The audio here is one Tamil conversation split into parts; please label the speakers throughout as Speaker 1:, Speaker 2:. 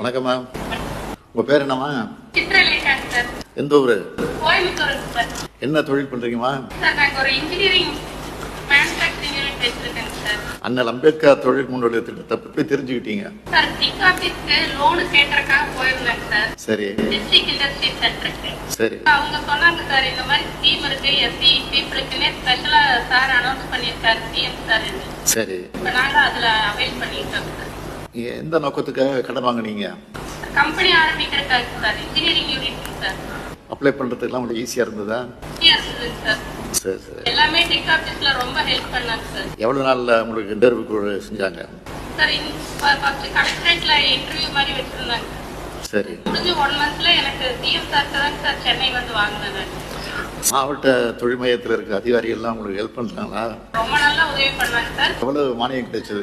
Speaker 1: வணக்கம்மா. உங்க பேர் என்னம்மா?
Speaker 2: சித்ரலேகா சார்.
Speaker 1: எந்த ஊரு?
Speaker 2: கோயம்புத்தூர் சார்.
Speaker 1: என்ன தொழில் பண்றீங்கம்மா?
Speaker 2: சார் நாங்க ஒரு இன்ஜினியரிங் மேனுஃபேக்சரிங் யூனிட் வச்சிருக்கேன் சார்.
Speaker 1: அண்ணல் அம்பேத்கர் தொழில் முன்னோடி திட்டத்தை பற்றி தெரிஞ்சுக்கிட்டீங்க?
Speaker 2: சார் டிக் ஆபீஸ்க்கு லோனு கேட்டறதுக்காக போயிருந்தேன் சார்.
Speaker 1: சரி.
Speaker 2: டிஸ்ட்ரிக்ட் இண்டஸ்ட்ரி சென்டருக்கு.
Speaker 1: சரி.
Speaker 2: அவங்க சொன்னாங்க சார் இந்த மாதிரி ஸ்கீம் இருக்கு எஸ்சி பீப்புளுக்குன்னே ஸ்பெஷலா சார் அனௌன்ஸ் பண்ணியிருக்காரு சிஎம் சார்.
Speaker 1: சரி.
Speaker 2: இப்போ நாங்க அதுல அவைல் பண்ணிட்டோம் சார்.
Speaker 1: எந்த நோக்கத்துக்காக கடன் வாங்குனீங்க?
Speaker 2: கம்பெனி ஆரம்பிக்கிறதுக்காக sir. Engineering unit sir.
Speaker 1: Apply பண்றதுக்கெல்லாம் உங்களுக்கு ஈஸியா இருந்ததா?
Speaker 2: Yes sir.
Speaker 1: சரி சரி.
Speaker 2: எல்லாமே டிக் ஆபீஸ்ல ரொம்ப ஹெல்ப் பண்ணாங்க சார்.
Speaker 1: எவ்வளவு நாள்ல உங்களுக்கு இன்டர்வியூ செஞ்சாங்க?
Speaker 2: சார் ஃபர்ஸ்ட் கலெக்டரேட்ல இன்டர்வியூ மாதிரி வச்சிருந்தாங்க.
Speaker 1: சரி.
Speaker 2: முடிஞ்சு 1 மந்த்ல எனக்கு சிஎம் சார் தான் சார் சென்னை வந்து வாங்கினேன்.
Speaker 1: மாவட்ட தொழில் மையத்தில் இருக்க அதிகாரிகள் எல்லாம் உங்களுக்கு ஹெல்ப் பண்றாங்களா?
Speaker 2: ரொம்ப நல்லா உதவி பண்ணாங்க சார்.
Speaker 1: எவ்வளவு மானியம் கிடைச்சது?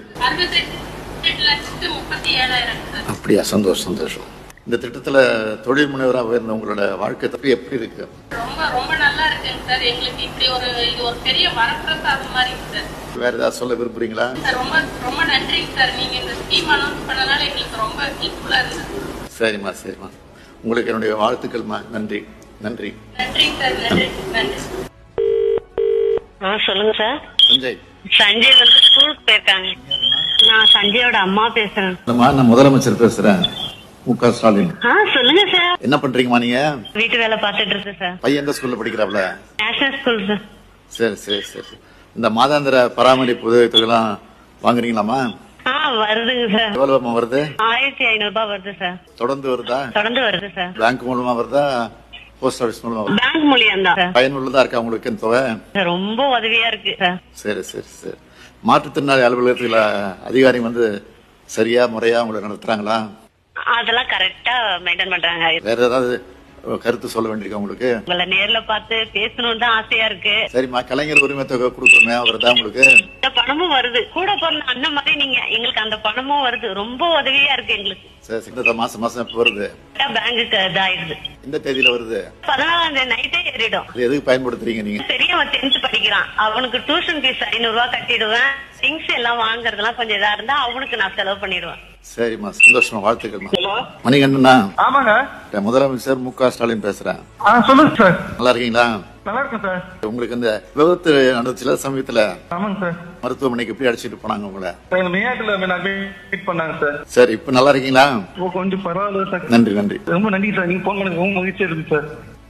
Speaker 2: 68,37,000 சார்.
Speaker 1: அப்படியா? சந்தோஷம் சந்தோஷம். இந்த திட்டத்துல தொழில் முனைவராக இருந்த உங்களோட வாழ்க்கை தப்பி எப்படி இருக்கு?
Speaker 2: ரொம்ப ரொம்ப நல்லா இருக்குங்க சார். எங்களுக்கு இப்படி இது ஒரு பெரிய வரப்பிரசாதம் மாதிரி சார்.
Speaker 1: வேற ஏதாவது சொல்ல விரும்புறீங்களா?
Speaker 2: சார் ரொம்ப ரொம்ப நன்றிங்க சார். நீங்க இந்த ஸ்கீம் அனௌன்ஸ் பண்ணனால எங்களுக்கு ரொம்ப ஹெல்ப்ஃபுல்லா இருந்தது.
Speaker 1: சரிம்மா சரிம்மா. உங்களுக்கு என்னுடைய வாழ்த்துக்கள்மா. நன்றி நன்றி.
Speaker 2: நன்றிங்க சார். நன்றி நன்றி.
Speaker 3: சொல்லுங்க சார்.
Speaker 1: சஞ்சய்.
Speaker 3: சஞ்சய் வந்து ஸ்கூலுக்கு போயிருக்காங்க. நான் சஞ்சயோட அம்மா பேசுறேன்.
Speaker 1: நான் முதலமைச்சர் பேசுறேன், மு.க. ஸ்டாலின்.
Speaker 3: சொல்லுங்க சார்.
Speaker 1: என்ன பண்றீங்கம்மா நீங்க?
Speaker 3: வீட்டு வேலை பார்த்துட்டு இருக்கேன் சார்.
Speaker 1: பையன் எந்த ஸ்கூல்ல படிக்கிறாப்ல?
Speaker 3: National school sir.
Speaker 1: சரி சரி சரி. இந்த மாதாந்திர பராமரிப்பு உதவித்தொகைலாம் வாங்குறீங்களாமா?
Speaker 3: வருதுங்க சார்.
Speaker 1: எவ்வளவுமா வருது?
Speaker 3: 1500 ரூபாய் வருது சார்.
Speaker 1: தொடர்ந்து வருதா?
Speaker 3: தொடர்ந்து வருது சார்.
Speaker 1: பேங்க் மூலமா வருதா, போஸ்ட் ஆபீஸ் மூலமா வருதா?
Speaker 3: பேங்க் மூலியம் தான் சார்.
Speaker 1: பயனுள்ளதா இருக்கா உங்களுக்கு இந்த தொகை?
Speaker 3: ரொம்ப உதவியா இருக்கு சார்.
Speaker 1: சரி சரி சரி. மாற்றுத்திறனாளி அலுவலகத்துல அதிகாரி வந்து சரியா முறையா உங்களை நடத்துறாங்களா?
Speaker 3: அதெல்லாம் கரெக்டா மெயின்டைன் பண்றாங்க.
Speaker 1: வேற ஏதாவது கருத்து சொல்ல வேண்டியிருக்கா உங்களுக்கு?
Speaker 3: உங்களை நேர்ல பார்த்து பேசணும்னு தான் ஆசையா இருக்கு.
Speaker 1: சரிம்மா. கலைஞர் உரிமை தொகை கொடுக்கணுமே, வருதா உங்களுக்கு?
Speaker 3: இந்த பணமும் வருது. கூட பிறந்த அண்ணன் மாதிரி நீங்க எங்களுக்கு அந்த பணமும் வருது. ரொம்ப உதவியா இருக்கு எங்களுக்கு.
Speaker 1: சரி. இந்த மாசம் மாசம் எப்ப வருது?
Speaker 3: பேங்குக்கு இதாயிடுது.
Speaker 1: இந்த தேதியில வருது?
Speaker 3: 14 நைட்டே ஏறிடும்.
Speaker 1: இது எதுக்கு பயன்படுத்துறீங்க நீங்க?
Speaker 3: பெரியவன் 10th படிக்கிறான். அவனுக்கு டியூஷன் ஃபீஸ் 500 ரூபாய் கட்டிடுவேன். திங்ஸ் எல்லாம் வாங்குறதெல்லாம் கொஞ்சம் இதா இருந்தா அவனுக்கு நான் செலவு பண்ணிடுவேன்.
Speaker 1: சரிம்மா. சந்தோஷமா. வாழ்த்துக்கள்மா. மணிகண்டனா?
Speaker 4: ஆமாங்க.
Speaker 1: முதலமைச்சர் மு.க. ஸ்டாலின் பேசுறேன்.
Speaker 4: சொல்லுங்க சார்.
Speaker 1: நல்லா இருக்கீங்களா?
Speaker 4: நல்லா இருக்கேன் சார்.
Speaker 1: உங்களுக்கு இந்த விபத்து நடந்துச்சுல சமயத்துல,
Speaker 4: ஆமாங்க சார்.
Speaker 1: மருத்துவமனைக்கு எப்படி அடிச்சிட்டு போனாங்க உங்களை?
Speaker 4: மேயாட்டுல மீட் பண்ணாங்க சார்.
Speaker 1: சரி. இப்ப நல்லா இருக்கீங்களா?
Speaker 4: கொஞ்சம் பரவாயில்ல சார்.
Speaker 1: நன்றி நன்றி.
Speaker 4: ரொம்ப நன்றி சார். நீங்க போன் பண்ணது ரொம்ப மகிழ்ச்சியா இருக்கு சார்.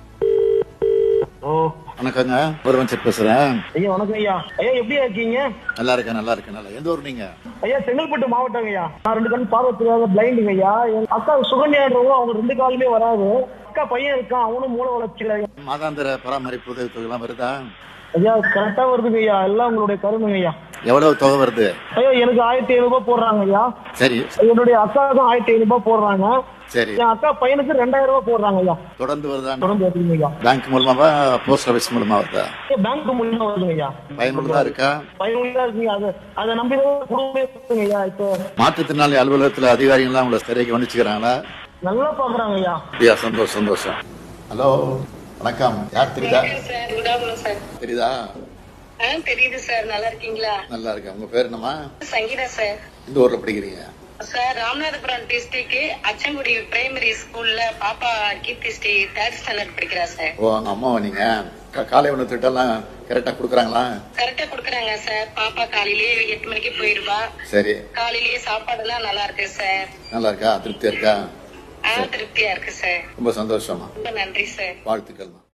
Speaker 1: வணக்கங்க. முதலமைச்சர் பேசுறேன்.
Speaker 5: ஐயா வணக்கம் ஐயா. ஐயா எப்படி இருக்கீங்க?
Speaker 1: நல்லா இருக்கேன் நல்லா இருக்கேன். நல்லா. எந்த ஊர் நீங்க?
Speaker 5: ஐயா செங்கல்பட்டு மாவட்டம் ஐயா. நான் 2 கண் பார்வை தெரியாத பிளைண்டுங்க ஐயா. என் அக்கா சுகன்யாடுறவங்க, அவங்க 2 காலுமே வராது. அக்கா பையன் இருக்கான், அவனும் மூல வளர்ச்சியில.
Speaker 1: மாதாந்திர பராமரிப்பு உதவி தொகை எல்லாம் வருதா?
Speaker 5: ஐயா கரெக்டா வருதுங்க ஐயா. எல்லாம் உங்களுடைய கருணுங்க ஐயா.
Speaker 1: எவ்வளவு தொகை வருது?
Speaker 5: ஐயா எனக்கு 1500 ரூபாய் போடுறாங்க ஐயா.
Speaker 1: சரி.
Speaker 5: என்னுடைய அக்காவுக்கும் 1500 ரூபாய் போடுறாங்க.
Speaker 1: சரி.
Speaker 5: என் அக்கா பையனுக்கு 2000 ரூபாய் போடுறாங்க ஐயா.
Speaker 1: தொடர்ந்து வருதா?
Speaker 5: தொடர்ந்து வருதுங்க ஐயா.
Speaker 1: பேங்க் மூலமாவா, போஸ்ட் ஆபீஸ் மூலமா வருதா?
Speaker 5: பேங்க் மூலியமா வருதுங்க ஐயா.
Speaker 1: பயனுள்ளதா இருக்கா?
Speaker 5: பயனுள்ளதா இருக்குங்க. அதை நம்பிதான் குடும்பமே இருக்குங்க ஐயா. இப்போ
Speaker 1: மாற்றுத்திறனாளி அலுவலகத்துல அதிகாரிகள்லாம் உங்களை சரியாக கவனிச்சுக்கிறாங்களா?
Speaker 5: நல்லா பாக்குறாங்க ஐயா.
Speaker 1: அப்படியா? சந்தோஷம் சந்தோஷம். ஹலோ வணக்கம். யார் தெரியுதா? தெரியுதா?
Speaker 2: தெரியுது சார். நல்லா இருக்கீங்களா?
Speaker 1: நல்லா இருக்கேன். உங்க பேர் என்னமா?
Speaker 2: சங்கீதா சார்.
Speaker 1: இந்த ஊர்ல படிக்கிறீங்க?
Speaker 2: Sir Ramanathapuram district Achankudi primary ஸ்கூல்ல பாப்பா கீர்த்தி ஸ்ரீ 3rd ஸ்டாண்டர்ட் படிக்கிறா சார்.
Speaker 1: ஓ, அங்க அம்மாவா நீங்க? காலை உணவு திட்டம் கரெக்டா குடுக்கறாங்களா?
Speaker 2: கரெக்டா குடுக்கறாங்க சார். பாப்பா காலையிலேயே 8 மணிக்கு போயிருவா.
Speaker 1: சரி.
Speaker 2: காலையிலேயே சாப்பாடு எல்லாம் நல்லா இருக்கு சார்.
Speaker 1: நல்லா இருக்கா? திருப்தியா இருக்கா?
Speaker 2: திருப்தியா இருக்கு சார்.
Speaker 1: ரொம்ப சந்தோஷமா.
Speaker 2: ரொம்ப நன்றி சார்.
Speaker 1: வாழ்த்துக்கள்.